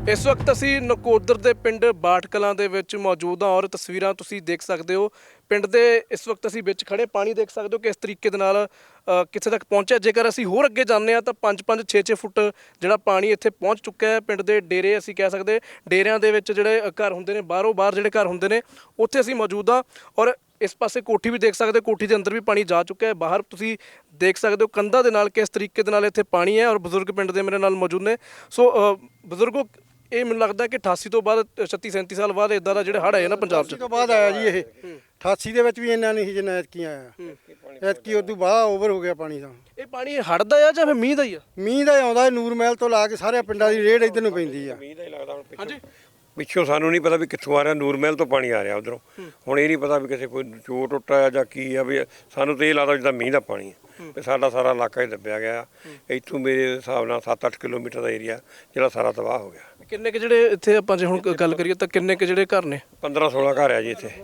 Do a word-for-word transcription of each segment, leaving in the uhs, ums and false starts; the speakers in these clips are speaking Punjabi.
इस वक्त असी नकोदर के पिंड बाठ कलां दे विच मौजूद हाँ और तस्वीरां तुसी देख सकते हो। पिंड दे इस वक्त असी विच खड़े पानी देख सकते हो किस तरीके दे नाल कित्थे तक पहुंचा। जेकर असी होर अगे जाने तो पाँच पाँच छे छे फुट जिहड़ा पानी इत्थे पहुंच चुका है। पिंड दे डेरे असी कह सकते डेरियां दे विच जिहड़े घर हुंदे ने बाहरों बाहर जिहड़े घर हुंदे ने उत्थे असी मौजूद हाँ और इस पासे कोठी भी देख सकते हो, कोठी के अंदर भी पानी जा चुका है। बाहर तुसी देख सकते हो कंधा दे नाल किस तरीके दे नाल इत्थे पानी है और बजुर्ग पिंड दे मेरे नाल मौजूद ने। सो बजुर्गो ਇਹ ਮੈਨੂੰ ਲੱਗਦਾ ਕਿ ਅਠਾਸੀ ਤੋਂ ਬਾਅਦ ਛੱਤੀ ਸੈਂਤੀ ਸਾਲ ਬਾਅਦ ਇਦਾਂ ਦਾ ਜਿਹੜੇ ਹੜ੍ਹ ਆਏ ਨਾ ਪੰਜਾਬ 'ਚ ਤੋਂ ਬਾਅਦ ਆਇਆ ਜੀ ਇਹ ਅਠਾਸੀ ਦੇ ਵਿੱਚ ਵੀ ਇੰਨਾ ਨਹੀਂ ਸੀ ਜਿੰਨਾ ਐਤਕੀ ਆਇਆ। ਐਤਕੀ ਉਦੋਂ ਬਾਅਦ ਓਵਰ ਹੋ ਗਿਆ ਪਾਣੀ ਦਾ। ਇਹ ਪਾਣੀ ਹੜ੍ਹ ਦਾ ਆ ਜਾਂ ਫਿਰ ਮੀਂਹ ਦਾ ਹੀ ਆ? ਮੀਂਹ ਦਾ ਆਉਂਦਾ ਨੂਰ ਮਹਿਲ ਤੋਂ ਲਾ ਕੇ ਸਾਰੇ ਪਿੰਡਾਂ ਦੀ ਰੇਡ ਇੱਧਰ ਨੂੰ ਪੈਂਦੀ ਆ। ਮੀਂਹ ਦਾ ਹੀ ਲੱਗਦਾ ਹੁਣ ਹਾਂਜੀ ਪਿੱਛੋਂ ਸਾਨੂੰ ਨਹੀਂ ਪਤਾ ਵੀ ਕਿੱਥੋਂ ਆ ਰਿਹਾ। ਨੂਰ ਮਹਿਲ ਤੋਂ ਪਾਣੀ ਆ ਰਿਹਾ ਉਧਰੋਂ। ਹੁਣ ਇਹ ਨਹੀਂ ਪਤਾ ਵੀ ਕਿਸੇ ਕੋਈ ਚੋਰ ਟੁੱਟਾ ਜਾਂ ਕੀ ਆ। ਵੀ ਸਾਨੂੰ ਤਾਂ ਇਹ ਲੱਗਦਾ ਜਿੱਦਾਂ ਮੀਂਹ ਦਾ ਪਾਣੀ ਹੈ ਵੀ ਸਾਡਾ ਸਾਰਾ ਇਲਾਕਾ ਹੀ ਦੱਬਿਆ ਗਿਆ। ਇੱਥੋਂ ਮੇਰੇ ਹਿਸਾਬ ਨਾਲ ਸੱਤ ਅੱਠ ਕਿਲੋਮੀਟਰ ਦਾ ਏਰੀਆ ਜਿਹੜਾ ਸਾਰਾ ਤਬਾਹ ਹੋ ਗਿਆ। ਕਿੰਨੇ ਕੁ ਜਿਹੜੇ ਇੱਥੇ ਆਪਾਂ ਜੇ ਹੁਣ ਗੱਲ ਕਰੀਏ ਤਾਂ ਕਿੰਨੇ ਕੁ ਜਿਹੜੇ ਘਰ ਨੇ? ਪੰਦਰਾਂ ਸੋਲਾਂ ਘਰ ਆ ਜੀ ਇੱਥੇ।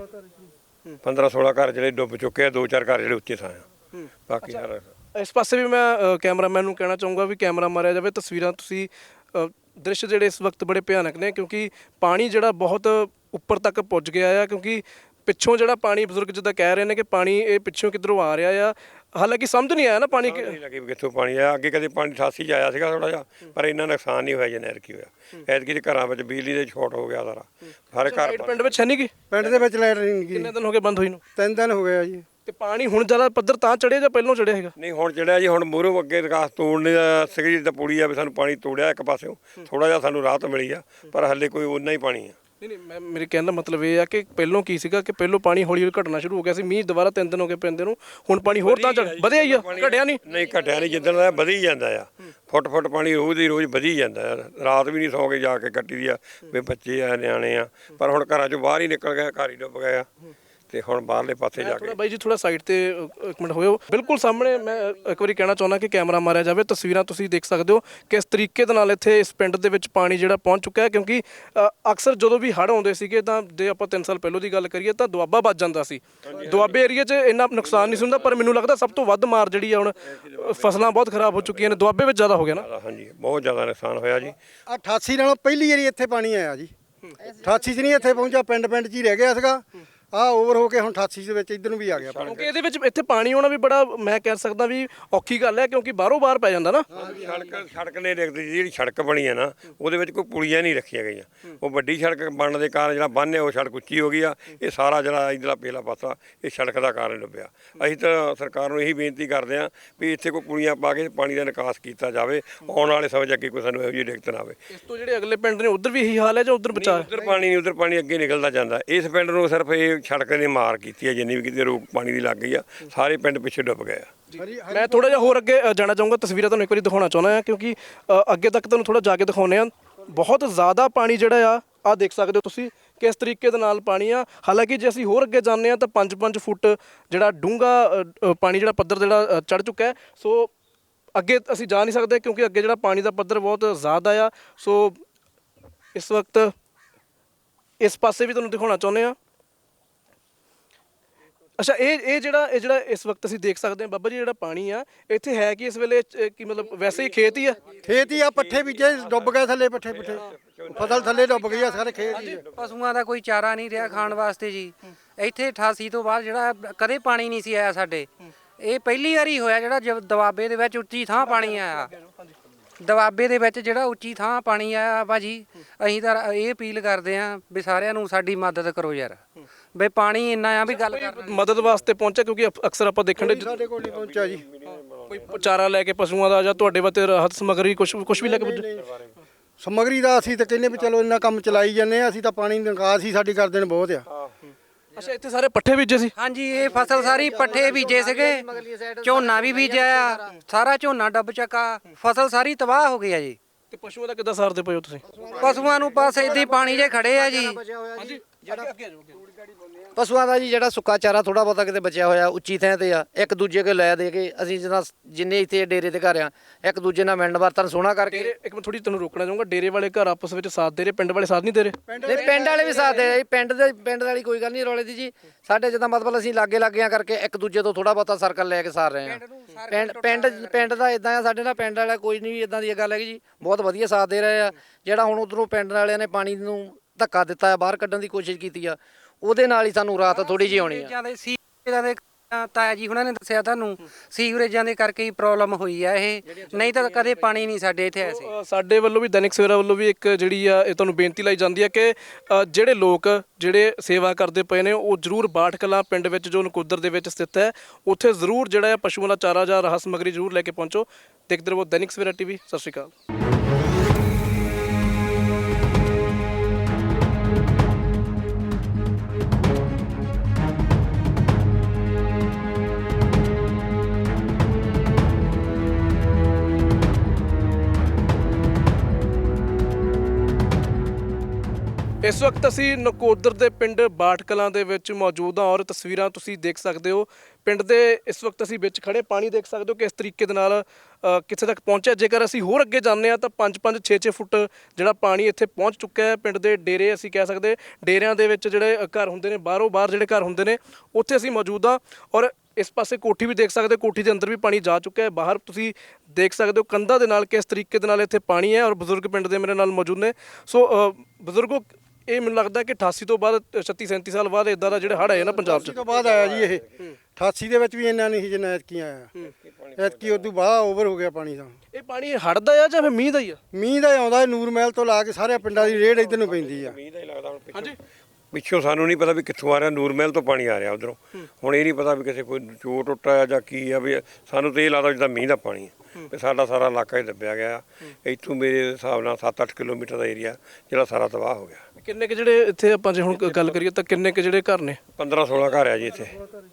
ਪੰਦਰਾਂ ਸੋਲਾਂ ਘਰ ਜਿਹੜੇ ਡੁੱਬ ਚੁੱਕੇ ਆ। ਦੋ ਚਾਰ ਘਰ ਜਿਹੜੇ ਉੱਚੇ ਥਾਂ ਆ। ਬਾਕੀ ਸਾਰਾ ਇਸ ਪਾਸੇ ਵੀ ਮੈਂ ਕੈਮਰਾਮੈਨ ਨੂੰ ਕਹਿਣਾ ਚਾਹੂੰਗਾ ਵੀ ਕੈਮਰਾ ਮਾਰਿਆ ਜਾਵੇ। ਤਸਵੀਰਾਂ ਤੁਸੀਂ ਦ੍ਰਿਸ਼ ਜਿਹੜੇ ਇਸ ਵਕਤ ਬੜੇ ਭਿਆਨਕ ਨੇ ਕਿਉਂਕਿ ਪਾਣੀ ਜਿਹੜਾ ਬਹੁਤ ਉੱਪਰ ਤੱਕ ਪੁੱਜ ਗਿਆ ਆ। ਕਿਉਂਕਿ ਪਿੱਛੋਂ ਜਿਹੜਾ ਪਾਣੀ ਬਜ਼ੁਰਗ ਜਿੱਦਾਂ ਕਹਿ ਰਹੇ ਨੇ ਕਿ ਪਾਣੀ ਇਹ ਪਿੱਛੋਂ ਕਿੱਧਰੋਂ ਆ ਰਿਹਾ ਆ। ਹਾਲਾਂਕਿ ਸਮਝ ਨਹੀਂ ਆਇਆ ਨਾ ਪਾਣੀ ਨਹੀਂ ਲੱਗੀ ਵੀ ਕਿੱਥੋਂ ਪਾਣੀ ਆਇਆ। ਅੱਗੇ ਕਦੇ ਪਾਣੀ ਅਠਾਸੀ 'ਚ ਆਇਆ ਸੀਗਾ ਥੋੜਾ ਜਿਹਾ ਪਰ ਇੰਨਾ ਨੁਕਸਾਨ ਨਹੀਂ ਹੋਇਆ ਜਿੰਨਾ ਐਤਕੀ ਹੋਇਆ। ਐਤਕੀ ਦੇ ਘਰਾਂ ਵਿੱਚ ਬਿਜਲੀ ਦੇ ਸ਼ਾਰਟ ਹੋ ਗਿਆ ਸਾਰਾ ਸਾਰੇ ਘਰ। ਪਿੰਡ ਵਿੱਚ ਹੈ ਨਹੀਂ ਗੀ? ਪਿੰਡ ਦੇ ਵਿੱਚ ਲਾਈਟ ਨਹੀਂ ਗਈ। ਕਿੰਨੇ ਦਿਨ ਹੋ ਗਏ ਬੰਦ ਹੋਈ ਨੂੰ? ਤਿੰਨ ਦਿਨ ਹੋ ਗਏ ਜੀ। ਤੇ ਪਾਣੀ ਹੁਣ ਜ਼ਿਆਦਾ ਪੱਧਰ ਤਾਂ ਚੜਿਆ ਜਾਂ ਪਹਿਲਾਂ ਚੜਿਆ ਹੈਗਾ? ਨਹੀਂ ਹੁਣ ਚੜਿਆ ਜੀ। ਹੁਣ ਮੂਹਰੋਂ ਅੱਗੇ ਵਿਕਾਸ ਤੋੜਨੇ ਦਾ ਸਿਗਰੀ ਦਾ ਪੁਲੀ ਆ ਵੀ ਸਾਨੂੰ ਪਾਣੀ ਤੋੜਿਆ ਇੱਕ ਪਾਸਿਓਂ ਥੋੜਾ ਜਿਹਾ ਸਾਨੂੰ ਰਾਹਤ ਮਿਲੀ ਆ ਪਰ ਹੱਲੇ ਕੋਈ ਉਨਾ ਹੀ ਪਾਣੀ ਆ। ਨਹੀਂ ਨਹੀਂ ਮੈਂ ਮੇਰੇ ਕਹਿਣ ਦਾ ਮਤਲਬ ਇਹ ਆ ਕਿ ਪਹਿਲਾਂ ਕੀ ਸੀਗਾ ਕਿ ਪਹਿਲਾਂ ਪਾਣੀ ਹੌਲੀ ਹੌਲੀ ਘਟਣਾ ਸ਼ੁਰੂ ਹੋ ਗਿਆ ਸੀ। ਮੀਂਹ ਦੁਬਾਰਾ ਤਿੰਨ ਦਿਨ ਹੋ ਗਏ ਪੈਂਦੇ ਨੂੰ। ਹੁਣ ਪਾਣੀ ਹੋਰ ਤਾਂ ਵਧਿਆ ਹੀ ਆ, ਘਟਿਆ ਨਹੀਂ? ਨਹੀਂ ਘਟਿਆ ਨਹੀਂ। ਜਿੱਦਣ ਦਾ ਵਧੀ ਜਾਂਦਾ ਆ ਫੁੱਟ ਫੁੱਟ ਪਾਣੀ ਰੋਜ਼ ਦੀ ਰੋਜ਼ ਵਧੀ ਜਾਂਦਾ ਆ। ਰਾਤ ਵੀ ਨਹੀਂ ਸੌਂ ਕੇ ਜਾ ਕੇ ਕੱਟੀ ਦੀ ਆ ਵੀ ਬੱਚੇ ਆ ਨਿਆਣੇ ਆ ਪਰ ਹੁਣ ਘਰਾਂ 'ਚੋਂ ਬਾਹਰ ਹੀ ਨਿਕਲ ਗਏ, ਘਰ ਹੀ ਡੁੱਬ ਗਏ ਆ ਤੇ ਹੁਣ ਬਾਹਰਲੇ ਪਾਸੇ ਜਾ ਕੇ। ਬਾਈ ਜੀ ਥੋੜਾ ਸਾਈਡ ਤੇ ਇੱਕ ਮਿੰਟ ਹੋਇਓ। ਬਿਲਕੁਲ ਸਾਹਮਣੇ ਮੈਂ ਇੱਕ ਵਾਰੀ ਕਹਿਣਾ ਚਾਹੁੰਦਾ ਕਿ ਕੈਮਰਾ ਮਾਰਿਆ ਜਾਵੇ। ਤਸਵੀਰਾਂ ਤੁਸੀਂ ਦੇਖ ਸਕਦੇ ਹੋ ਕਿਸ ਤਰੀਕੇ ਦੇ ਨਾਲ ਇੱਥੇ ਇਸ ਪਿੰਡ ਦੇ ਵਿੱਚ ਪਾਣੀ ਜਿਹੜਾ ਪਹੁੰਚ ਚੁੱਕਾ ਹੈ। ਕਿਉਂਕਿ ਅਕਸਰ ਜਦੋਂ ਵੀ ਹੜ੍ਹ ਆਉਂਦੇ ਸੀਗੇ ਤਾਂ ਜੇ ਆਪਾਂ ਤਿੰਨ ਸਾਲ ਪਹਿਲਾਂ ਦੀ ਗੱਲ ਕਰੀਏ ਤਾਂ ਦੁਆਬਾ ਵੱਜ ਜਾਂਦਾ ਸੀ। ਦੁਆਬੇ ਏਰੀਆ 'ਚ ਇੰਨਾ ਨੁਕਸਾਨ ਨਹੀਂ ਸੀ ਹੁੰਦਾ ਪਰ ਮੈਨੂੰ ਲੱਗਦਾ ਸਭ ਤੋਂ ਵੱਧ ਮਾਰ ਜਿਹੜੀ ਆ ਹੁਣ ਫਸਲਾਂ ਬਹੁਤ ਖਰਾਬ ਹੋ ਚੁੱਕੀਆਂ ਨੇ। ਦੁਆਬੇ ਵਿੱਚ ਜ਼ਿਆਦਾ ਹੋ ਗਿਆ ਨਾ? ਹਾਂਜੀ ਬਹੁਤ ਜ਼ਿਆਦਾ ਨੁਕਸਾਨ ਹੋਇਆ ਜੀ। ਅਠਾਸੀ ਨਾਲੋਂ ਪਹਿਲੀ ਵਾਰੀ ਇੱਥੇ ਪਾਣੀ ਆਇਆ ਜੀ। ਅਠਾਸੀ 'ਚ ਨਹੀਂ ਇੱਥੇ ਪਹੁੰਚਿਆ, ਪਿੰਡ ਪਿੰਡ 'ਚ ਹੀ ਰਹਿ ਗਿਆ ਸੀਗਾ। ਆ ਓਵਰ ਹੋ ਕੇ ਹੁਣ ਅਠਾਸੀ ਦੇ ਵਿੱਚ ਇੱਧਰ ਨੂੰ ਵੀ ਆ ਗਿਆ ਪਾਣੀ। ਕਿਉਂਕਿ ਇਹਦੇ ਵਿੱਚ ਇੱਥੇ ਪਾਣੀ ਆਉਣਾ ਵੀ ਬੜਾ ਮੈਂ ਕਹਿ ਸਕਦਾ ਵੀ ਔਖੀ ਗੱਲ ਹੈ ਕਿਉਂਕਿ ਬਾਹਰੋਂ ਬਾਹਰ ਪੈ ਜਾਂਦਾ ਨਾ। ਸੜਕ ਸੜਕ ਨੇ ਦੇਖਦੀ ਜਿਹੜੀ ਸੜਕ ਬਣੀ ਹੈ ਨਾ ਉਹਦੇ ਵਿੱਚ ਕੋਈ ਪੁਲੀਆਂ ਨਹੀਂ ਰੱਖੀਆਂ ਗਈਆਂ। ਉਹ ਵੱਡੀ ਸੜਕ ਬਣਨ ਦੇ ਕਾਰਨ ਜਿਹੜਾ ਬੰਨ੍ਹ ਹੈ ਉਹ ਸੜਕ ਉੱਚੀ ਹੋ ਗਈ ਆ। ਇਹ ਸਾਰਾ ਜਿਹੜਾ ਇੱਧਰਲਾ ਪਹਿਲਾ ਪਾਸਾ ਇਹ ਸੜਕ ਦਾ ਕਾਰਨ ਡੁੱਬਿਆ। ਅਸੀਂ ਤਾਂ ਸਰਕਾਰ ਨੂੰ ਇਹੀ ਬੇਨਤੀ ਕਰਦੇ ਹਾਂ ਵੀ ਇੱਥੇ ਕੋਈ ਪੁਲੀਆਂ ਪਾ ਕੇ ਪਾਣੀ ਦਾ ਨਿਕਾਸ ਕੀਤਾ ਜਾਵੇ। ਆਉਣ ਵਾਲੇ ਸਮੇਂ 'ਚ ਅੱਗੇ ਕੋਈ ਸਾਨੂੰ ਇਹੋ ਜਿਹੀ ਦਿੱਕਤ ਨਾ ਆਵੇ। ਇਸ ਤੋਂ ਜਿਹੜੇ ਅਗਲੇ ਪਿੰਡ ਨੇ ਉੱਧਰ ਵੀ ਇਹੀ ਹਾਲ ਹੈ ਜਾਂ ਉੱਧਰ ਬਚਾ? ਉੱਧਰ ਪਾਣੀ ਨਹੀਂ, ਉੱਧਰ ਪਾਣੀ ਅੱਗੇ ਨਿਕਲਦਾ ਜਾਂਦਾ। ਇਸ ਪਿੰਡ ਨੂੰ ਸਿਰਫ ਇਹ ਸੜਕ ਨੇ ਮਾਰ ਕੀਤੀ ਹੈ ਜਿੰਨੀ ਵੀ ਕਿਤੇ ਰੋਕ ਪਾਣੀ ਦੀ ਲੱਗ ਗਈ ਆ। ਸਾਰੇ ਪਿੰਡ ਪਿੱਛੇ ਡੁੱਬ ਗਏ ਆ। ਮੈਂ ਥੋੜਾ ਜਿਹਾ ਹੋਰ ਅੱਗੇ ਜਾਣਾ ਚਾਹੂੰਗਾ। ਤਸਵੀਰਾਂ ਤੁਹਾਨੂੰ ਇੱਕ ਵਾਰੀ ਦਿਖਾਉਣਾ ਚਾਹੁੰਦਾ ਹਾਂ ਕਿਉਂਕਿ ਅੱਗੇ ਤੱਕ ਤੁਹਾਨੂੰ ਥੋੜਾ ਜਾ ਕੇ ਦਿਖਾਉਂਦੇ ਹਾਂ। ਬਹੁਤ ਜ਼ਿਆਦਾ ਪਾਣੀ ਜਿਹੜਾ ਆ ਆ ਦੇਖ ਸਕਦੇ ਹੋ ਤੁਸੀਂ ਕਿਸ ਤਰੀਕੇ ਦੇ ਨਾਲ ਪਾਣੀ ਆ। ਹਾਲਾਂਕਿ ਜੇ ਅਸੀਂ ਹੋਰ ਅੱਗੇ ਜਾਂਦੇ ਹਾਂ ਤਾਂ ਪੰਜ ਪੰਜ ਫੁੱਟ ਜਿਹੜਾ ਡੂੰਘਾ ਪਾਣੀ ਜਿਹੜਾ ਪੱਧਰ ਜਿਹੜਾ ਚੜ੍ਹ ਚੁੱਕਾ ਹੈ। ਸੋ ਅੱਗੇ ਅਸੀਂ ਜਾ ਨਹੀਂ ਸਕਦੇ ਕਿਉਂਕਿ ਅੱਗੇ ਜਿਹੜਾ ਪਾਣੀ ਦਾ ਪੱਧਰ ਬਹੁਤ ਜ਼ਿਆਦਾ ਆ। ਸੋ ਇਸ ਵਕਤ ਇਸ ਪਾਸੇ ਵੀ ਤੁਹਾਨੂੰ ਦਿਖਾਉਣਾ ਚਾਹੁੰਦੇ ਹਾਂ। ਅੱਛਾ ਇਹ ਇਹ ਜਿਹੜਾ ਇਹ ਜਿਹੜਾ ਇਸ ਵਕਤ ਅਸੀਂ ਦੇਖ ਸਕਦੇ ਹਾਂ ਬਾਬਾ ਜੀ ਜਿਹੜਾ ਪਾਣੀ ਆ ਇੱਥੇ ਹੈ ਕਿ ਇਸ ਵੇਲੇ ਕੀ ਮਤਲਬ ਵੈਸੇ ਹੀ ਖੇਤ ਹੀ ਆ? ਖੇਤ ਹੀ ਆ। ਪੱਠੇ ਬੀਜੇ ਡੁੱਬ ਗਏ ਥੱਲੇ, ਪੱਠੇ ਪੁੱਠੇ ਫਸਲ ਥੱਲੇ ਡੁੱਬ ਗਈ ਆ। ਸਾਰੇ ਖੇਤ ਹੀ। ਪਸ਼ੂਆਂ ਦਾ ਕੋਈ ਚਾਰਾ ਨਹੀਂ ਰਿਹਾ ਖਾਣ ਵਾਸਤੇ ਜੀ। ਇੱਥੇ ਅਠਾਸੀ ਤੋਂ ਬਾਅਦ ਜਿਹੜਾ ਕਦੇ ਪਾਣੀ ਨਹੀਂ ਸੀ ਆਇਆ ਸਾਡੇ। ਇਹ ਪਹਿਲੀ ਵਾਰੀ ਹੋਇਆ ਜਿਹੜਾ ਦੁਆਬੇ ਦੇ ਵਿੱਚ ਉੱਚੀ ਥਾਂ ਪਾਣੀ ਆਇਆ। ਦੁਆਬੇ ਦੇ ਵਿੱਚ ਜਿਹੜਾ ਉੱਚੀ ਥਾਂ ਪਾਣੀ ਆਇਆ ਭਾਜੀ ਅਸੀਂ ਤਾਂ ਇਹ ਅਪੀਲ ਕਰਦੇ ਹਾਂ ਵੀ ਸਾਰਿਆਂ ਨੂੰ ਸਾਡੀ ਮਦਦ ਕਰੋ ਯਾਰ। ਬਈ ਪਾਣੀ ਇੰਨਾ ਆ ਵੀ ਗੱਲ ਕਰ ਮਦਦ ਵਾਸਤੇ ਪਹੁੰਚਿਆ ਕਿਉਂਕਿ ਅਕਸਰ ਆਪਾਂ ਦੇਖਣ ਦੇ ਸਾਡੇ ਕੋਲ ਨਹੀਂ ਪਹੁੰਚਿਆ ਜੀ। ਕੋਈ ਚਾਰਾ ਲੈ ਕੇ ਪਸ਼ੂਆਂ ਦਾ ਜਾਂ ਤੁਹਾਡੇ ਵਾਸਤੇ ਰਾਹਤ ਸਮੱਗਰੀ ਕੁਝ ਕੁਝ ਵੀ ਲੈ ਕੇ ਪੁੱਜੇ? ਸਮੱਗਰੀ ਦਾ ਅਸੀਂ ਤਾਂ ਕਹਿੰਦੇ ਵੀ ਚਲੋ ਇੰਨਾ ਕੰਮ ਚਲਾਈ ਜਾਂਦੇ ਆ। ਅਸੀਂ ਤਾਂ ਪਾਣੀ ਨਿਕਾਸ ਹੀ ਸਾਡੀ ਕਰਦੇ ਨੇ ਬਹੁਤ ਆ। ਅੱਛਾ ਇੱਥੇ ਸਾਰੇ ਪੱਠੇ ਬੀਜੇ ਸੀ? ਹਾਂਜੀ ਇਹ ਫਸਲ ਸਾਰੀ ਪੱਠੇ ਬੀਜੇ ਸੀਗੇ, ਝੋਨਾ ਵੀ ਬੀਜਿਆ, ਸਾਰਾ ਝੋਨਾ ਡੁੱਬ ਚੱਕਾ, ਫਸਲ ਸਾਰੀ ਤਬਾਹ ਹੋ ਗਈ ਆ ਜੀ। ਤੇ ਪਸ਼ੂਆਂ ਦਾ ਕਿੱਦਾਂ ਸਾਰਦੇ ਪਏ ਹੋ ਤੁਸੀਂ? ਪਸ਼ੂਆਂ ਨੂੰ ਬਸ ਇੱਦਾਂ ਹੀ ਪਾਣੀ 'ਚ ਖੜੇ ਆ ਜੀ। ਪਸ਼ੂਆਂ ਦਾ ਜੀ ਜਿਹੜਾ ਸੁੱਕਾ ਚਾਰਾ ਥੋੜਾ ਬਹੁਤਾ ਕਿਤੇ ਬਚਿਆ ਹੋਇਆ ਉੱਚੀ ਥਾਂ ਤੇ ਆ, ਇੱਕ ਦੂਜੇ ਕੋਲ ਲੈ ਦੇ ਕੇ ਅਸੀਂ ਜਿੱਦਾਂ ਜਿੰਨੇ ਇੱਥੇ ਡੇਰੇ ਤੇ ਘਰ ਆ ਇੱਕ ਦੂਜੇ ਨਾਲ ਮਿਲਣ ਵਰਤਨ ਸੋਹਣਾ ਕਰਕੇ। ਡੇਰੇ ਇੱਕ ਮੈਂ ਥੋੜੀ ਤੁਹਾਨੂੰ ਰੋਕਣਾ ਚਾਹੂੰਗਾ, ਡੇਰੇ ਵਾਲੇ ਘਰ ਆਪਸ ਵਿੱਚ ਸਾਥ ਦੇ ਰਹੇ, ਪਿੰਡ ਵਾਲੇ ਸਾਥ ਨਹੀਂ ਦੇ ਰਹੇ? ਨਹੀਂ ਪਿੰਡ ਵਾਲੇ ਵੀ ਸਾਥ ਦੇ ਰਹੇ, ਪਿੰਡ ਦੇ ਪਿੰਡ ਵਾਲੀ ਕੋਈ ਗੱਲ ਨਹੀਂ ਰੌਲੇ ਦੀ ਜੀ। ਸਾਡੇ ਜਿੱਦਾਂ ਮਤਲਬ ਅਸੀਂ ਲਾਗੇ ਲੱਗਿਆਂ ਕਰਕੇ ਇੱਕ ਦੂਜੇ ਤੋਂ ਥੋੜਾ ਬਹੁਤਾ ਸਰਕਲ ਲੈ ਕੇ ਸਾਰ ਰਹੇ ਆ। ਪਿੰਡ ਪਿੰਡ ਪਿੰਡ ਦਾ ਇਦਾਂ ਆ, ਸਾਡੇ ਨਾਲ ਪਿੰਡ ਵਾਲਾ ਕੋਈ ਨਹੀਂ ਇਦਾਂ ਦੀ ਗੱਲ ਹੈਗੀ ਜੀ, ਬਹੁਤ ਵਧੀਆ ਸਾਥ ਦੇ ਰਹੇ ਆ। ਜਿਹੜਾ ਹੁਣ ਉਧਰੋਂ ਪਿੰਡ ਵਾਲਿਆਂ ਨੇ ਪਾਣੀ ਨੂੰ ਧੱਕਾ ਦਿੱਤਾ, ਬਾਹਰ ਕੱਢਣ ਦੀ ਕੋਸ਼ਿਸ਼ ਕੀਤੀ ਆ, ਉਹਦੇ ਨਾਲ ਹੀ ਸਾਨੂੰ ਰਾਤ ਥੋੜੀ ਜਿਹੀ ਆਉਣੀ ਆ। ਸੀਵਰੇਜਾਂ ਦੇ ਸੀਵਰੇਜਾਂ ਦੇ ਤਾਇਆ ਜੀ ਹੁਣਾਂ ਨੇ ਦੱਸਿਆ ਤੁਹਾਨੂੰ, ਸੀਵਰੇਜਾਂ ਦੇ ਕਰਕੇ ਹੀ ਪ੍ਰੋਬਲਮ ਹੋਈ ਆ ਇਹ, ਨਹੀਂ ਤਾਂ ਕਦੇ ਪਾਣੀ ਨਹੀਂ ਸਾਡੇ ਇੱਥੇ ਐਸੇ। ਅ, ਸਾਡੇ ਵੱਲੋਂ ਵੀ ਦੈਨਿਕ ਸਵੇਰਾ ਵੱਲੋਂ ਵੀ ਇੱਕ ਜਿਹੜੀ ਆ ਇਹ ਤੁਹਾਨੂੰ ਬੇਨਤੀ ਲਾਈ ਜਾਂਦੀ ਹੈ ਕਿ ਅ, ਜਿਹੜੇ ਲੋਕ ਜਿਹੜੇ ਸੇਵਾ ਕਰਦੇ ਪਏ ਨੇ ਉਹ ਜ਼ਰੂਰ ਬਾਠ ਕਲਾਂ ਪਿੰਡ ਵਿੱਚ ਜੋ ਨਕੋਦਰ ਦੇ ਵਿੱਚ ਸਥਿਤ ਹੈ ਉੱਥੇ ਜ਼ਰੂਰ ਜਿਹੜਾ ਹੈ ਪਸ਼ੂਆਂ ਦਾ ਚਾਰਾ ਜਾਂ ਰਾਹਤ ਸਮੱਗਰੀ ਜ਼ਰੂਰ ਲੈ ਕੇ ਪਹੁੰਚੋ। ਦੇਖਦੇ ਰਹੋ ਦੈਨਿਕ ਸਵੇਰਾ ਟੀਵੀ। ਸਤਿ ਸ਼੍ਰੀ ਅਕਾਲ। ਇਸ ਵਕਤ ਅਸੀਂ ਨਕੋਦਰ ਦੇ ਪਿੰਡ ਬਾਠ ਕਲਾਂ ਦੇ ਵਿੱਚ ਮੌਜੂਦ ਹਾਂ ਔਰ ਤਸਵੀਰਾਂ ਤੁਸੀਂ ਦੇਖ ਸਕਦੇ ਹੋ। ਪਿੰਡ ਦੇ ਇਸ ਵਕਤ ਅਸੀਂ ਵਿੱਚ ਖੜੇ ਪਾਣੀ ਦੇਖ ਸਕਦੇ ਹੋ ਕਿਸ ਤਰੀਕੇ ਦੇ ਨਾਲ ਅ, ਕਿੱਥੇ ਤੱਕ ਪਹੁੰਚਿਆ। ਜੇਕਰ ਅਸੀਂ ਹੋਰ ਅੱਗੇ ਜਾਂਦੇ ਹਾਂ ਤਾਂ ਪੰਜ ਪੰਜ ਛੇ ਛੇ ਫੁੱਟ ਜਿਹੜਾ ਪਾਣੀ ਇੱਥੇ ਪਹੁੰਚ ਚੁੱਕਾ ਹੈ। ਪਿੰਡ ਦੇ ਡੇਰੇ ਅਸੀਂ ਕਹਿ ਸਕਦੇ ਡੇਰਿਆਂ ਦੇ ਵਿੱਚ ਜਿਹੜੇ ਘਰ ਹੁੰਦੇ ਨੇ, ਬਾਹਰੋਂ ਬਾਹਰ ਜਿਹੜੇ ਘਰ ਹੁੰਦੇ ਨੇ ਉੱਥੇ ਅਸੀਂ ਮੌਜੂਦ ਹਾਂ ਔਰ ਇਸ ਪਾਸੇ ਕੋਠੀ ਵੀ ਦੇਖ ਸਕਦੇ ਹੋ, ਕੋਠੀ ਦੇ ਅੰਦਰ ਵੀ ਪਾਣੀ ਜਾ ਚੁੱਕਾ ਹੈ। ਬਾਹਰ ਤੁਸੀਂ ਦੇਖ ਸਕਦੇ ਹੋ ਕੰਧਾਂ ਦੇ ਨਾਲ ਕਿਸ ਤਰੀਕੇ ਦੇ ਨਾਲ ਇੱਥੇ ਪਾਣੀ ਹੈ ਔਰ ਬਜ਼ੁਰਗ ਪਿੰਡ ਦੇ ਮੇਰੇ ਨਾਲ ਮੌਜੂਦ ਨੇ। ਸੋ ਅ, ਬਜ਼ੁਰਗੋ ਇਹ ਮੈਨੂੰ ਲੱਗਦਾ ਕਿ ਅਠਾਸੀ ਤੋਂ ਬਾਅਦ ਛੱਤੀ ਸੈਂਤੀ ਸਾਲ ਬਾਅਦ ਇਦਾਂ ਦਾ ਜਿਹੜੇ ਹੜ੍ਹ ਆਏ ਨਾ ਪੰਜਾਬ 'ਚ ਤੋਂ ਬਾਅਦ ਆਇਆ ਜੀ ਇਹ ਅਠਾਸੀ ਦੇ ਵਿੱਚ ਵੀ ਇੰਨਾ ਨਹੀਂ ਸੀ ਜਿੰਨਾ ਐਤਕੀ ਆਇਆ। ਐਤਕੀ ਉਦੋਂ ਬਾਅਦ ਓਵਰ ਹੋ ਗਿਆ ਪਾਣੀ ਦਾ। ਇਹ ਪਾਣੀ ਹੜ੍ਹ ਦਾ ਆ ਜਾਂ ਫਿਰ ਮੀਂਹ ਦਾ ਹੀ ਆ? ਮੀਂਹ ਦਾ ਆਉਂਦਾ ਨੂਰ ਮਹਿਲ ਤੋਂ ਲਾ ਕੇ ਸਾਰੇ ਪਿੰਡਾਂ ਦੀ ਰੇਡ ਇੱਧਰ ਨੂੰ ਪੈਂਦੀ ਆ। ਮੀਂਹ ਦਾ ਹੀ ਲੱਗਦਾ ਹੁਣ ਪਿੱਛੋਂ। ਹਾਂਜੀ ਪਿੱਛੋਂ ਸਾਨੂੰ ਨਹੀਂ ਪਤਾ ਵੀ ਕਿੱਥੋਂ ਆ ਰਿਹਾ, ਨੂਰ ਮਹਿਲ ਤੋਂ ਪਾਣੀ ਆ ਰਿਹਾ ਉਧਰੋਂ। ਹੁਣ ਇਹ ਨਹੀਂ ਪਤਾ ਵੀ ਕਿਸੇ ਕੋਈ ਚੋਰ ਟੁੱਟਾ ਆ ਜਾਂ ਕੀ ਆ, ਵੀ ਸਾਨੂੰ ਤਾਂ ਇਹ ਲੱਗਦਾ ਜਿੱਦਾਂ ਮੀਂਹ ਦਾ ਪਾਣੀ ਹੈ ਵੀ ਸਾਡਾ ਸਾਰਾ ਇਲਾਕਾ ਹੀ ਦੱਬਿਆ ਗਿਆ। ਇੱਥੋਂ ਮੇਰੇ ਹਿਸਾਬ ਨਾਲ ਸੱਤ ਅੱਠ ਕਿਲੋਮੀਟਰ ਦਾ ਏਰੀਆ ਜਿਹੜਾ ਸਾਰਾ ਤਬਾਹ ਹੋ ਗਿਆ। ਕਿੰਨੇ ਕੁ ਜਿਹੜੇ ਇੱਥੇ ਆਪਾਂ ਜੇ ਹੁਣ ਗੱਲ ਕਰੀਏ ਤਾਂ ਕਿੰਨੇ ਕੁ ਜਿਹੜੇ ਘਰ ਨੇ? ਪੰਦਰਾਂ ਸੋਲਾਂ ਘਰ ਆ ਜੀ ਇੱਥੇ,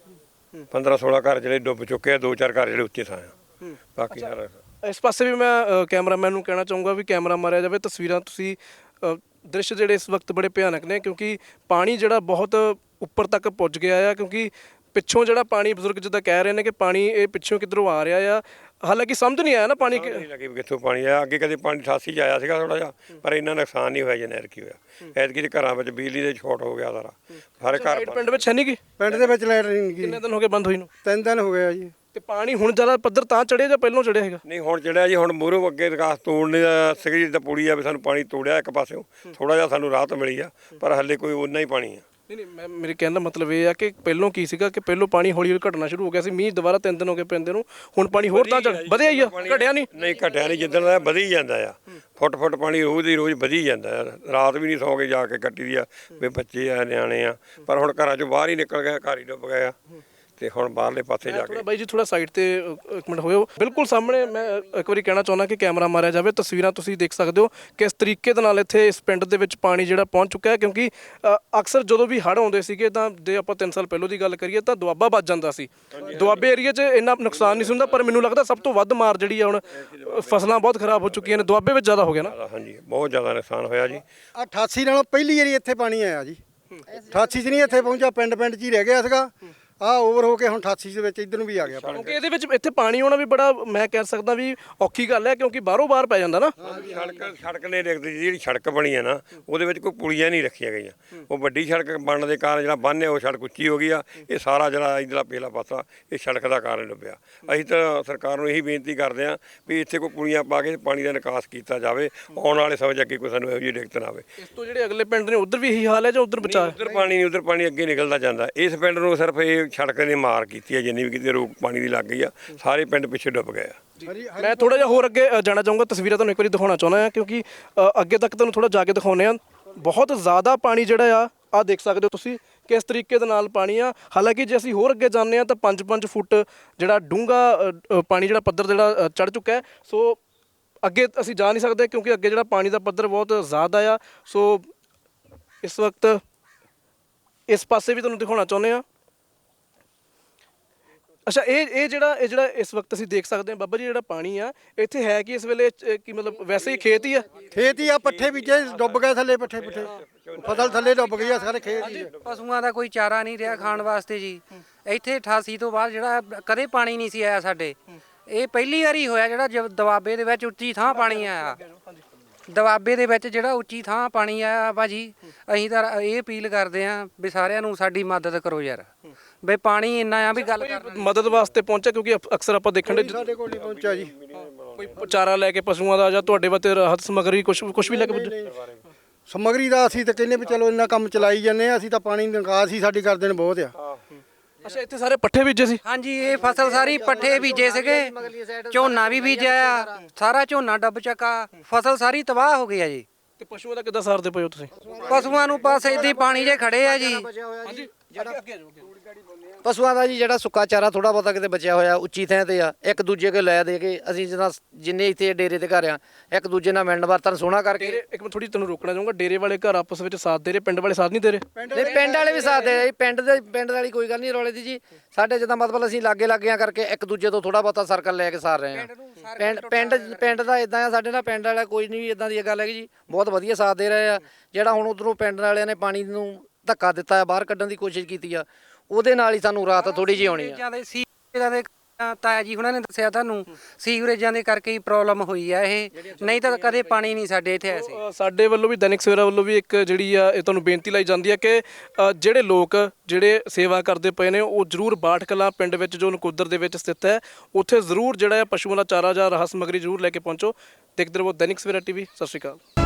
ਪੰਦਰਾਂ ਸੋਲਾਂ ਘਰ ਜਿਹੜੇ ਡੁੱਬ ਚੁੱਕੇ ਆ, ਦੋ ਚਾਰ ਘਰ ਜਿਹੜੇ ਉੱਚੇ ਥਾਂ ਆ, ਬਾਕੀ ਸਾਰਾ। ਇਸ ਪਾਸੇ ਵੀ ਮੈਂ ਅ, ਕੈਮਰਾਮੈਨ ਨੂੰ ਕਹਿਣਾ ਚਾਹੂੰਗਾ ਵੀ ਕੈਮਰਾ ਮਾਰਿਆ ਜਾਵੇ। ਤਸਵੀਰਾਂ ਤੁਸੀਂ ਅ, ਦ੍ਰਿਸ਼ ਜਿਹੜੇ ਇਸ ਵਕਤ ਬੜੇ ਭਿਆਨਕ ਨੇ ਕਿਉਂਕਿ ਪਾਣੀ ਜਿਹੜਾ ਬਹੁਤ ਉੱਪਰ ਤੱਕ ਪੁੱਜ ਗਿਆ ਆ। ਕਿਉਂਕਿ ਪਿੱਛੋਂ ਜਿਹੜਾ ਪਾਣੀ ਬਜ਼ੁਰਗ ਜਿੱਦਾਂ ਕਹਿ ਰਹੇ ਨੇ ਕਿ ਪਾਣੀ ਇਹ ਪਿੱਛੋਂ ਕਿੱਧਰੋਂ ਆ ਰਿਹਾ ਆ, ਹਾਲਾਂਕਿ ਸਮਝ ਨਹੀਂ ਆਇਆ ਨਾ ਪਾਣੀ ਕਿ- ਨਹੀਂ ਲੱਗੀ ਵੀ ਕਿੱਥੋਂ ਪਾਣੀ ਆਇਆ। ਅੱਗੇ ਕਦੇ ਪਾਣੀ ਅਠਾਸੀ 'ਚ ਆਇਆ ਸੀਗਾ ਥੋੜਾ ਜਿਹਾ, ਪਰ ਇੰਨਾ ਨੁਕਸਾਨ ਨਹੀਂ ਹੋਇਆ ਜਿੰਨਾ ਐਤਕੀ ਹੋਇਆ। ਐਤਕੀ ਦੇ ਘਰਾਂ ਵਿੱਚ ਬਿਜਲੀ ਦੇ ਸ਼ਾਰਟ ਹੋ ਗਿਆ ਸਾਰਾ, ਸਾਰੇ ਘਰ ਲਾਈਟ ਪਿੰਡ ਵਿੱਚ ਹੈ ਨਹੀਂ ਗੀ? ਪਿੰਡ ਦੇ ਵਿੱਚ ਲਾਈਟ ਨਹੀਂ ਗਈ, ਕਿੰਨੇ ਦਿਨ ਹੋ ਗਏ ਬੰਦ ਹੋਈ ਨੂੰ? ਤਿੰਨ ਦਿਨ ਹੋ ਗਏ ਆ ਜੀ। ਤੇ ਪਾਣੀ ਹੁਣ ਜ਼ਿਆਦਾ ਪੱਧਰ ਤਾਂ ਚੜਿਆ ਜਾਂ ਪਹਿਲਾਂ ਚੜਿਆ ਹੈਗਾ? ਨਹੀਂ ਹੁਣ ਚੜਿਆ ਜੀ, ਹੁਣ ਮੂਹਰੋਂ ਅੱਗੇ ਵਿਕਾਸ ਤੋੜਨੇ ਦਾ ਸੀਗੀ ਜਿੱਦਾਂ ਪੁਲੀ ਆ ਵੀ ਸਾਨੂੰ ਪਾਣੀ ਤੋੜਿਆ ਇੱਕ ਪਾਸਿਓਂ, ਥੋੜਾ ਜਿਹਾ ਸਾਨੂੰ ਰਾਹਤ ਮਿਲੀ ਆ, ਪਰ ਹੱਲੇ ਕੋਈ ਉਨਾ ਹੀ ਪਾਣੀ ਆ। ਨਹੀਂ ਨਹੀਂ ਮੈਂ ਮੇਰੇ ਕਹਿਣ ਦਾ ਮਤਲਬ ਇਹ ਆ ਕਿ ਪਹਿਲਾਂ ਕੀ ਸੀਗਾ ਕਿ ਪਹਿਲਾਂ ਪਾਣੀ ਹੌਲੀ ਹੌਲੀ ਘਟਣਾ ਸ਼ੁਰੂ ਹੋ ਗਿਆ ਸੀ, ਮੀਂਹ ਦੁਬਾਰਾ ਤਿੰਨ ਦਿਨ ਹੋ ਗਏ ਪੈਂਦੇ ਨੂੰ, ਹੁਣ ਪਾਣੀ ਹੋਰ ਤਾਂ ਚੜ ਵਧਿਆ ਹੀ ਆ, ਘਟਿਆ ਨਹੀਂ? ਨਹੀਂ ਘਟਿਆ ਨਹੀਂ, ਜਿੱਦਣ ਦਾ ਵਧੀ ਜਾਂਦਾ ਆ, ਫੁੱਟ ਫੁੱਟ ਪਾਣੀ ਰੋਜ਼ ਦੀ ਰੋਜ਼ ਵਧੀ ਜਾਂਦਾ ਆ। ਰਾਤ ਵੀ ਨਹੀਂ ਸੌਂ ਕੇ ਜਾ ਕੇ ਕੱਟੀ ਦੀ ਆ ਵੀ ਬੱਚੇ ਆ ਨਿਆਣੇ ਆ, ਪਰ ਹੁਣ ਘਰਾਂ ਚੋਂ ਬਾਹਰ ਹੀ ਨਿਕਲ ਗਏ, ਘਰ ਹੀ ਡੁੱਬ ਗਏ ਆ। ਤੇ ਹੁਣ ਬਾਹਰਲੇ ਪਾਸੇ ਜਾ ਥੋੜਾ ਕੇ ਬਾਈ ਜੀ ਥੋੜਾ ਸਾਈਡ ਤੇ ਅ, ਇੱਕ ਮਿੰਟ ਹੋਇਓ। ਬਿਲਕੁਲ ਸਾਹਮਣੇ ਮੈਂ ਇੱਕ ਵਾਰੀ ਕਹਿਣਾ ਚਾਹੁੰਦਾ ਕਿ ਕੈਮਰਾ ਮਾਰਿਆ ਜਾਵੇ। ਤਸਵੀਰਾਂ ਤੁਸੀਂ ਦੇਖ ਸਕਦੇ ਹੋ ਕਿਸ ਤਰੀਕੇ ਦੇ ਨਾਲ ਇੱਥੇ ਇਸ ਪਿੰਡ ਦੇ ਵਿੱਚ ਪਾਣੀ ਜਿਹੜਾ ਪਹੁੰਚ ਚੁੱਕਾ ਹੈ। ਕਿਉਂਕਿ ਅ, ਅਕਸਰ ਜਦੋਂ ਵੀ ਹੜ੍ਹ ਆਉਂਦੇ ਸੀਗੇ ਤਾਂ ਜੇ ਆਪਾਂ ਤਿੰਨ ਸਾਲ ਪਹਿਲਾਂ ਦੀ ਗੱਲ ਕਰੀਏ ਤਾਂ ਦੁਆਬਾ ਵੱਜ ਜਾਂਦਾ ਸੀ। ਦੁਆਬੇ ਏਰੀਆ 'ਚ ਇੰਨਾ ਨੁਕਸਾਨ ਨਹੀਂ ਸੀ ਹੁੰਦਾ, ਪਰ ਮੈਨੂੰ ਲੱਗਦਾ ਸਭ ਤੋਂ ਵੱਧ ਮਾਰ ਜਿਹੜੀ ਆ ਹੁਣ ਅ, ਫਸਲਾਂ ਬਹੁਤ ਖਰਾਬ ਹੋ ਚੁੱਕੀਆਂ ਨੇ, ਦੁਆਬੇ ਵਿੱਚ ਜ਼ਿਆਦਾ ਹੋ ਗਿਆ ਨਾ? ਹਾਂਜੀ ਬਹੁਤ ਜ਼ਿਆਦਾ ਨੁਕਸਾਨ ਹੋਇਆ ਜੀ। ਅਠਾਸੀ ਨਾਲੋਂ ਪਹਿਲੀ ਵਾਰੀ ਇੱਥੇ ਪਾਣੀ ਆਇਆ ਜੀ। ਅਠਾਸੀ 'ਚ ਨਹੀਂ ਇੱਥੇ ਪਹੁੰਚਿਆ, ਪਿੰਡ ਪਿੰਡ 'ਚ ਹੀ ਰਹਿ ਗਿਆ ਸੀਗਾ। ਆ ਓਵਰ ਹੋ ਕੇ ਹੁਣ ਅਠਾਸੀ ਦੇ ਵਿੱਚ ਇੱਧਰ ਨੂੰ ਵੀ ਆ ਗਿਆ ਪਾਣੀ। ਕਿਉਂਕਿ ਇਹਦੇ ਵਿੱਚ ਇੱਥੇ ਪਾਣੀ ਆਉਣਾ ਵੀ ਬੜਾ ਮੈਂ ਕਹਿ ਸਕਦਾ ਵੀ ਔਖੀ ਗੱਲ ਹੈ ਕਿਉਂਕਿ ਬਾਹਰੋਂ ਬਾਹਰ ਪੈ ਜਾਂਦਾ ਨਾ। ਸੜਕ ਸੜਕ ਨੇ ਦੇਖਦੀ ਜਿਹੜੀ ਸੜਕ ਬਣੀ ਹੈ ਨਾ ਉਹਦੇ ਵਿੱਚ ਕੋਈ ਪੁਲੀਆਂ ਨਹੀਂ ਰੱਖੀਆਂ ਗਈਆਂ। ਉਹ ਵੱਡੀ ਸੜਕ ਬਣਨ ਦੇ ਕਾਰਨ ਜਿਹੜਾ ਬੰਨ੍ਹ ਹੈ ਉਹ ਸੜਕ ਉੱਚੀ ਹੋ ਗਈ ਆ। ਇਹ ਸਾਰਾ ਜਿਹੜਾ ਇੱਧਰਲਾ ਪਹਿਲਾ ਪਾਸਾ ਇਹ ਸੜਕ ਦਾ ਕਾਰਨ ਡੁੱਬਿਆ। ਅਸੀਂ ਤਾਂ ਸਰਕਾਰ ਨੂੰ ਇਹੀ ਬੇਨਤੀ ਕਰਦੇ ਹਾਂ ਵੀ ਇੱਥੇ ਕੋਈ ਪੁਲੀਆਂ ਪਾ ਕੇ ਪਾਣੀ ਦਾ ਨਿਕਾਸ ਕੀਤਾ ਜਾਵੇ, ਆਉਣ ਵਾਲੇ ਸਮੇਂ 'ਚ ਅੱਗੇ ਕੋਈ ਸਾਨੂੰ ਇਹੋ ਜਿਹੀ ਦਿੱਕਤ ਨਾ ਆਵੇ। ਇਸ ਤੋਂ ਜਿਹੜੇ ਅਗਲੇ ਪਿੰਡ ਨੇ ਉਧਰ ਵੀ ਇਹੀ ਹਾਲ ਹੈ ਜਾਂ ਉਧਰ ਬਚਾ? ਉੱਧਰ ਪਾਣੀ ਨਹੀਂ, ਉੱਧਰ ਪਾਣੀ ਅੱਗੇ ਨਿਕਲਦਾ ਜਾਂਦਾ। ਇਸ ਪਿੰਡ ਨੂੰ ਸਿਰਫ ਇਹ ਸੜਕ ਨੇ ਮਾਰ ਕੀਤੀ ਹੈ, ਜਿੰਨੀ ਵੀ ਕਿਤੇ ਰੋਕ ਪਾਣੀ ਦੀ ਲੱਗ ਗਈ ਆ, ਸਾਰੇ ਪਿੰਡ ਪਿੱਛੇ ਡੁੱਬ ਗਏ ਆ। ਮੈਂ ਥੋੜਾ ਜਿਹਾ ਹੋਰ ਅੱਗੇ ਅ, ਜਾਣਾ ਚਾਹੂੰਗਾ। ਤਸਵੀਰਾਂ ਤੁਹਾਨੂੰ ਇੱਕ ਵਾਰੀ ਦਿਖਾਉਣਾ ਚਾਹੁੰਦਾ ਹਾਂ ਕਿਉਂਕਿ ਅ, ਅੱਗੇ ਤੱਕ ਤੁਹਾਨੂੰ ਥੋੜਾ ਜਾ ਕੇ ਦਿਖਾਉਂਦੇ ਆ। ਬਹੁਤ ਜ਼ਿਆਦਾ ਪਾਣੀ ਜਿਹੜਾ ਆ ਆ ਦੇਖ ਸਕਦੇ ਹੋ ਤੁਸੀਂ ਕਿਸ ਤਰੀਕੇ ਦੇ ਨਾਲ ਪਾਣੀ ਆ। ਹਾਲਾਂਕਿ ਜੇ ਅਸੀਂ ਹੋਰ ਅੱਗੇ ਜਾਂਦੇ ਆ ਤਾਂ ਪੰਜ ਪੰਜ ਫੁੱਟ ਜਿਹੜਾ ਡੂੰਘਾ ਪਾਣੀ ਜਿਹੜਾ ਪੱਧਰ ਜਿਹੜਾ ਚੜ ਚੁੱਕਾ ਹੈ। ਸੋ ਅੱਗੇ ਅਸੀਂ ਜਾ ਨਹੀਂ ਸਕਦੇ ਕਿਉਂਕਿ ਅੱਗੇ ਜਿਹੜਾ ਪਾਣੀ ਦਾ ਪੱਧਰ ਬਹੁਤ ਜ਼ਿਆਦਾ ਆ। ਸੋ ਇਸ ਵਕਤ ਇਸ ਪਾਸੇ ਵੀ ਤੁਹਾਨੂੰ ਦਿਖਾਉਣਾ ਚਾਹੁੰਦੇ ਆ। ਅੱਛਾ ਇਹ ਇਹ ਜਿਹੜਾ ਇਹ ਜਿਹੜਾ ਇਸ ਵਕਤ ਅਸੀਂ ਦੇਖ ਸਕਦੇ ਹਾਂ ਬਾਬਾ ਜੀ ਜਿਹੜਾ ਪਾਣੀ ਆ ਇੱਥੇ ਹੈ ਕਿ ਇਸ ਵੇਲੇ ਅ, ਕੀ ਮਤਲਬ ਵੈਸੇ ਹੀ ਖੇਤ ਹੀ ਆ ਖੇਤ ਹੀ ਆ, ਪੱਠੇ ਬੀਜੇ ਡੁੱਬ ਗਏ ਥੱਲੇ, ਪੱਠੇ ਪੁੱਠੇ ਫਸਲ ਥੱਲੇ ਡੁੱਬ ਗਈ ਆ, ਸਾਰੇ ਖੇਤ ਹੀ ਆ। ਪਸ਼ੂਆਂ ਦਾ ਕੋਈ ਚਾਰਾ ਨਹੀਂ ਰਿਹਾ ਖਾਣ ਵਾਸਤੇ ਜੀ। ਇੱਥੇ ਅਠਾਸੀ ਤੋਂ ਬਾਅਦ ਜਿਹੜਾ ਕਦੇ ਪਾਣੀ ਨਹੀਂ ਸੀ ਆਇਆ ਸਾਡੇ। ਇਹ ਪਹਿਲੀ ਵਾਰੀ ਹੋਇਆ ਜਿਹੜਾ ਜ- ਦੁਆਬੇ ਦੇ ਵਿੱਚ ਉੱਚੀ ਥਾਂ ਪਾਣੀ ਆਇਆ। ਦੁਆਬੇ ਦੇ ਵਿੱਚ ਜਿਹੜਾ ਉੱਚੀ ਥਾਂ ਪਾਣੀ ਆਇਆ ਭਾਜੀ, ਅਸੀਂ ਤਾਂ ਇਹ ਅਪੀਲ ਕਰਦੇ ਆਂ ਵੀ ਸਾਰਿਆਂ ਨੂੰ ਸਾਡੀ ਮਦਦ ਕਰੋ ਯਾਰ, ਵੀ ਪਾਣੀ ਇੰਨਾ ਆ ਵੀ ਗੱਲ ਕਰ ਮਦਦ ਵਾਸਤੇ ਪਹੁੰਚਿਆ ਕਿਉਂਕਿ ਅਕ- ਅਕਸਰ ਆਪਾਂ ਦੇਖਣ ਦੇ ਸਾਡੇ ਕੋਲ ਨਹੀਂ ਪਹੁੰਚਿਆ ਜੀ। ਕੋਈ ਚਾਰਾ ਲੈ ਕੇ ਪਸ਼ੂਆਂ ਦਾ ਜਾਂ ਤੁਹਾਡੇ ਵਾਸਤੇ ਰਾਹਤ ਸਮੱਗਰੀ ਕੁਝ ਕੁਝ ਵੀ ਲੈ ਕੇ ਪੁੱਜੇ? ਸਮੱਗਰੀ ਦਾ ਅਸੀਂ ਤਾਂ ਕਹਿੰਦੇ ਵੀ ਚਲੋ ਇੰਨਾ ਕੰਮ ਚਲਾਈ ਜਾਂਦੇ ਆ, ਅਸੀਂ ਤਾਂ ਪਾਣੀ ਦੀ ਨਿਕਾਸ ਹੀ ਸਾਡੀ ਕਰਦੇ ਨੇ ਬਹੁਤ ਆ। ਅੱਛਾ ਇੱਥੇ ਸਾਰੇ ਪੱਠੇ ਬੀਜੇ ਸੀ? ਹਾਂਜੀ, ਇਹ ਫਸਲ ਸਾਰੀ ਪੱਠੇ ਬੀਜੇ ਸੀਗੇ, ਝੋਨਾ ਵੀ ਬੀਜਿਆ ਆ, ਸਾਰਾ ਝੋਨਾ ਡੱਬ ਚੱਕਾ, ਫਸਲ ਸਾਰੀ ਤਬਾਹ ਹੋ ਗਈ ਆ ਜੀ। ਤੇ ਪਸ਼ੂਆਂ ਦਾ ਕਿੱਦਾਂ ਸਾਰਦੇ ਪਏ ਹੋ ਤੁਸੀਂ? ਪਸ਼ੂਆਂ ਨੂੰ ਬਸ ਏਦਾਂ ਹੀ ਪਾਣੀ 'ਚ ਖੜੇ ਆ ਜੀ। ਪਸ਼ੂਆਂ ਦਾ ਜੀ ਜਿਹੜਾ ਸੁੱਕਾ ਚਾਰਾ ਥੋੜਾ ਬਹੁਤਾ ਕਿਤੇ ਬਚਿਆ ਹੋਇਆ ਉੱਚੀ ਥਾਂ ਤੇ ਆ, ਇੱਕ ਦੂਜੇ ਕੋਲ ਲੈ ਦੇ ਕੇ ਅਸੀਂ ਜਿੱਦਾਂ ਜਿੰਨੇ ਇੱਥੇ ਡੇਰੇ ਤੇ ਘਰ ਆ ਇੱਕ ਦੂਜੇ ਨਾਲ ਮਿਲਣ ਵਰਤਨ ਸੋਹਣਾ ਕਰਕੇ। ਡੇਰੇ ਇੱਕ ਮਿੰਟ ਥੋੜੀ ਤੁਹਾਨੂੰ ਰੋਕਣਾ ਚਾਹੂੰਗਾ, ਡੇਰੇ ਵਾਲੇ ਘਰ ਆਪਸ ਵਿੱਚ ਸਾਥ ਦੇ ਰਹੇ, ਪਿੰਡ ਵਾਲੇ ਸਾਥ ਨਹੀਂ ਦੇ ਰਹੇ? ਨਹੀਂ ਪਿੰਡ ਵਾਲੇ ਵੀ ਸਾਥ ਦੇ ਰਹੇ, ਪਿੰਡ ਦੇ ਪਿੰਡ ਵਾਲੀ ਕੋਈ ਗੱਲ ਨਹੀਂ ਰੌਲੇ ਦੀ ਜੀ। ਸਾਡੇ ਜਿੱਦਾਂ ਮਤਲਬ ਅਸੀਂ ਲਾਗੇ ਲੱਗਿਆਂ ਕਰਕੇ ਇੱਕ ਦੂਜੇ ਤੋਂ ਥੋੜਾ ਬਹੁਤਾ ਸਰਕਲ ਲੈ ਕੇ ਸਾਰ ਰਹੇ ਆ। ਪਿੰਡ ਪਿੰਡ ਪਿੰਡ ਦਾ ਇਦਾਂ ਆ, ਸਾਡੇ ਨਾਲ ਪਿੰਡ ਵਾਲਾ ਕੋਈ ਨਹੀਂ ਇਦਾਂ ਦੀ ਗੱਲ ਹੈਗੀ ਜੀ, ਬਹੁਤ ਵਧੀਆ ਸਾਥ ਦੇ ਰਹੇ ਆ। ਜਿਹੜਾ ਹੁਣ ਉਧਰੋਂ ਪਿੰਡ ਵਾਲਿਆਂ ਨੇ ਪਾਣੀ ਨੂੰ ਧੱਕਾ ਦਿੱਤਾ, ਬਾਹਰ ਕੱਢਣ ਦੀ ਕੋਸ਼ਿਸ਼ ਕੀਤੀ ਆ, ਉਹਦੇ ਨਾਲ ਹੀ ਸਾਨੂੰ ਰਾਤ ਥੋੜੀ ਜਿਹੀ ਆਉਣੀ ਆ। ਸੀਵਰੇਜਾਂ ਦੇ ਸੀਵਰੇਜਾਂ ਦੇ ਤਾਇਆ ਜੀ ਹੁਣਾਂ ਨੇ ਦੱਸਿਆ ਤੁਹਾਨੂੰ, ਸੀਵਰੇਜਾਂ ਦੇ ਕਰਕੇ ਹੀ ਪ੍ਰੋਬਲਮ ਹੋਈ ਆ ਇਹ, ਨਹੀਂ ਤਾਂ ਕਦੇ ਪਾਣੀ ਨਹੀਂ ਸਾਡੇ ਇੱਥੇ ਆਇਆ ਸੀ। ਅ, ਸਾਡੇ ਵੱਲੋਂ ਵੀ ਦੈਨਿਕ ਸਵੇਰਾ ਵੱਲੋਂ ਵੀ ਇੱਕ ਜਿਹੜੀ ਆ ਇਹ ਤੁਹਾਨੂੰ ਬੇਨਤੀ ਲਾਈ ਜਾਂਦੀ ਹੈ ਕਿ ਅ, ਜਿਹੜੇ ਲੋਕ ਜਿਹੜੇ ਸੇਵਾ ਕਰਦੇ ਪਏ ਨੇ ਉਹ ਜ਼ਰੂਰ ਬਾਠ ਕਲਾਂ ਪਿੰਡ ਵਿੱਚ ਜੋ ਨਕੋਦਰ ਦੇ ਵਿੱਚ ਸਥਿਤ ਹੈ ਉੱਥੇ ਜ਼ਰੂਰ ਜਿਹੜਾ ਹੈ ਪਸ਼ੂਆਂ ਦਾ ਚਾਰਾ ਜਾਂ ਰਾਹਤ ਸਮੱਗਰੀ ਜ਼ਰੂਰ ਲੈ ਕੇ ਪਹੁੰਚੋ। ਦੇਖਦੇ ਰਹੋ ਦੈਨਿਕ ਸਵੇਰਾ ਟੀਵੀ। ਸਤਿ ਸ਼੍ਰੀ ਅਕਾਲ।